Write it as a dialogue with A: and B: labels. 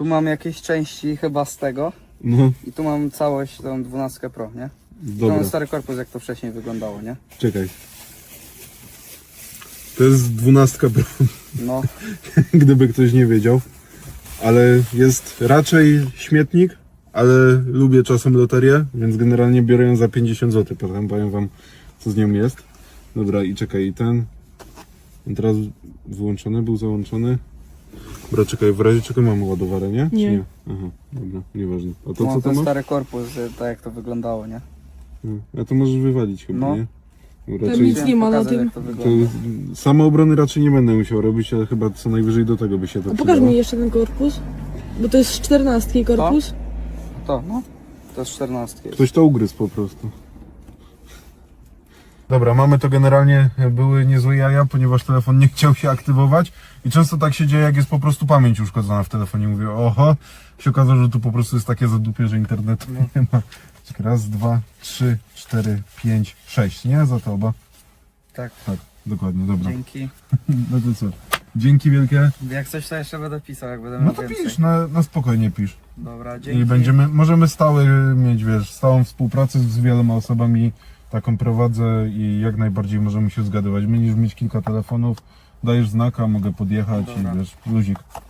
A: Tu mam jakieś części chyba z tego.
B: No,
A: I tu mam całość tą 12 Pro, nie? Tu
B: dobra,
A: mam stary korpus, jak to wcześniej wyglądało, nie?
B: czekaj. To jest 12 Pro,
A: No,
B: gdyby ktoś nie wiedział. Ale jest raczej śmietnik, ale lubię czasem loterię, więc generalnie biorę ją za 50 zł. Potem powiem wam, co z nią jest. Dobra, i czekaj, i ten. On teraz wyłączony, był załączony. Dobra, czekaj, w razie czego mamy ładowarę, nie? Czy
C: Nie.
B: nie? Aha, dobra, nieważne. A
A: tu
B: to co
A: mam
B: to
A: ten
B: ma?
A: stary korpus, tak jak to wyglądało, nie?
B: A to możesz wywalić chyba,
A: No.
B: nie? Bo
C: Tam nic
A: Chciałem
C: nie ma na
A: pokazać,
C: tym.
A: jak to
B: to
A: wygląda.
B: samoobrony raczej nie będę musiał robić, ale chyba co najwyżej do tego by się to
C: A pokaż
B: przydało.
C: mi jeszcze ten korpus. Bo to jest 14 korpus.
A: To, no. To jest 14 jest.
B: Ktoś to ugryzł po prostu. Dobra, mamy to generalnie, były niezłe jaja, ponieważ telefon nie chciał się aktywować i często tak się dzieje, jak jest po prostu pamięć uszkodzona w telefonie. Mówię, oho, się okazało, że tu po prostu jest takie zadupie, że internetu nie ma. Czekaj, raz, dwa, trzy, cztery, pięć, sześć, nie? Za to oba.
A: Tak,
B: Tak, dokładnie, dobra.
A: dzięki.
B: No to co? Dzięki wielkie.
A: Jak coś to jeszcze będę pisał, jak będę
B: No
A: miał
B: to
A: więcej.
B: pisz, na spokojnie pisz.
A: Dobra, dzięki.
B: I możemy mieć, wiesz, stałą współpracę z wieloma osobami, taką prowadzę i jak najbardziej możemy się zgadywać. Będziesz mieć kilka telefonów, dajesz znaka, mogę podjechać
A: Dobra.
B: i wiesz, luzik.